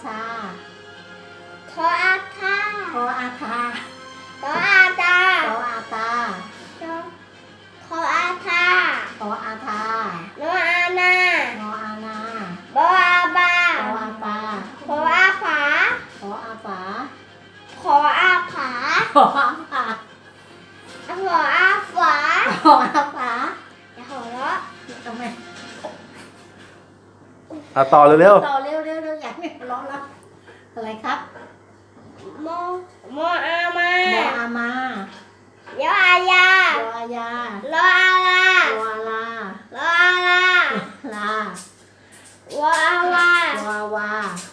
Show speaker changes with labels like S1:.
S1: ชา
S2: ทออาทา
S1: ทออาทา
S2: ทออาตา
S1: ทออาตา
S2: ทออาทา
S1: ทออาทา
S2: โนอานา
S1: นออานา
S2: บออาบา
S1: ทออาปา
S2: ขออาผา
S1: ทออาฝา
S2: ขออาผา
S1: ทออาฝา
S2: ขออาฝา
S1: ทออาฝา
S2: อย่าหัวเราะ
S1: ทำไม
S3: ต่อเร็ว
S1: ต่อเร็วเร็วเร็วอยากไม่ร้องแล้วอะไรครับ
S2: โมโมอามา
S1: โมอามา
S2: เยออายา
S1: โยอายา
S2: ลออาลา
S1: โยอาลา
S2: ลออาลา
S1: ลาว
S2: ออาวา
S1: โยอาวา